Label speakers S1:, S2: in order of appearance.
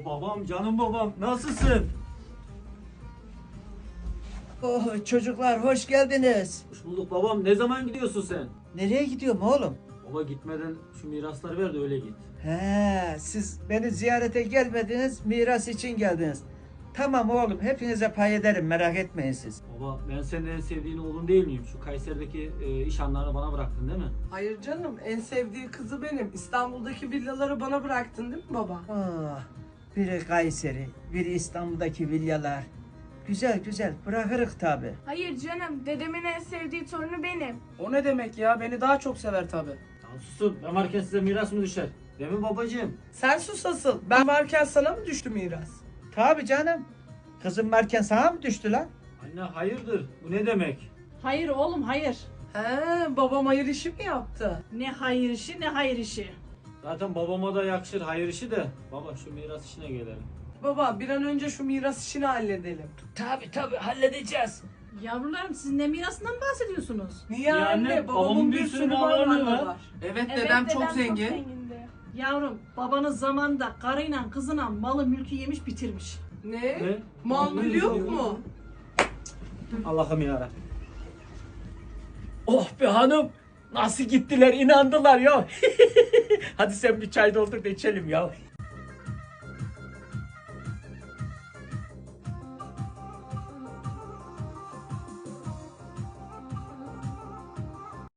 S1: Babam, canım babam, nasılsın?
S2: Oh, çocuklar hoş geldiniz.
S1: Hoş bulduk babam. Ne zaman gidiyorsun sen?
S2: Nereye gidiyorum oğlum?
S1: Baba gitmeden şu mirasları ver de öyle git.
S2: He, siz beni ziyarete gelmediniz, miras için geldiniz. Tamam oğlum, hepinize pay ederim, merak etmeyin siz.
S1: Baba ben senin en sevdiğin oğlun değil miyim? Şu Kayseri'deki iş anlarını bana bıraktın değil mi?
S3: Hayır canım, en sevdiği kızı benim. İstanbul'daki villaları bana bıraktın değil mi baba?
S2: Ah, biri Kayseri, biri İstanbul'daki villalar. Güzel güzel, bırakırık tabi.
S4: Hayır canım, dedemin en sevdiği torunu benim.
S5: O ne demek ya? Beni daha çok sever tabi.
S1: Lan susun. Ben varken size miras mı düşer? Değil mi babacığım?
S3: Sen sus asıl. Ben varken sana mı düştü miras?
S2: Tabi canım. Kızım varken sana mı düştü lan?
S1: Anne hayırdır? Bu ne demek?
S6: Hayır oğlum hayır.
S3: He, babam hayır işi mi yaptı?
S6: Ne hayır işi ne hayır işi.
S1: Zaten babama da yakışır hayır işi de. Baba şu miras işine gelelim.
S3: Baba bir an önce şu miras işini halledelim.
S2: Tabi halledeceğiz.
S6: Yavrularım siz ne mirasından bahsediyorsunuz?
S3: Niye
S1: Ya
S3: anne?
S1: anne,
S3: Babamın bir sürü mal varlığı var.
S5: Evet, dedem çok zengin.
S4: zengindi.
S6: Yavrum babanız zamanında karıyla kızına malı mülkü yemiş bitirmiş.
S3: Ne?
S1: Ne?
S3: Mal mülk yok mu?
S1: Allah'ım yarabbim.
S7: Oh be hanım. Nasıl gittiler inandılar ya. Hadi sen bir çay doldur da içelim ya.